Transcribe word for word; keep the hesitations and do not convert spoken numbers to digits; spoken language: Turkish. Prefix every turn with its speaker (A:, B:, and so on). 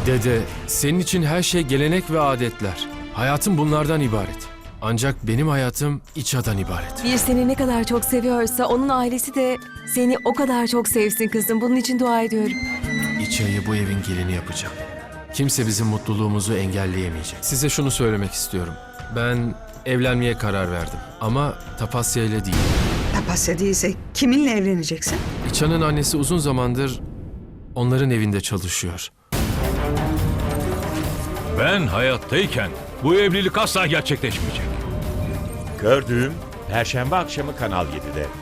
A: Dede, senin için her şey gelenek ve adetler. Hayatım bunlardan ibaret. Ancak benim hayatım İça'dan ibaret.
B: Bir seni ne kadar çok seviyorsa onun ailesi de seni o kadar çok sevsin kızım. Bunun için dua ediyorum.
A: İça'yı bu evin gelini yapacağım. Kimse bizim mutluluğumuzu engelleyemeyecek. Size şunu söylemek istiyorum. Ben evlenmeye karar verdim. Ama Tapasya ile değil.
C: Tapasya değilse kiminle evleneceksin?
A: İça'nın annesi uzun zamandır onların evinde çalışıyor.
D: Ben hayattayken bu evlilik asla gerçekleşmeyecek.
E: Gördüğüm Perşembe akşamı Kanal yedide.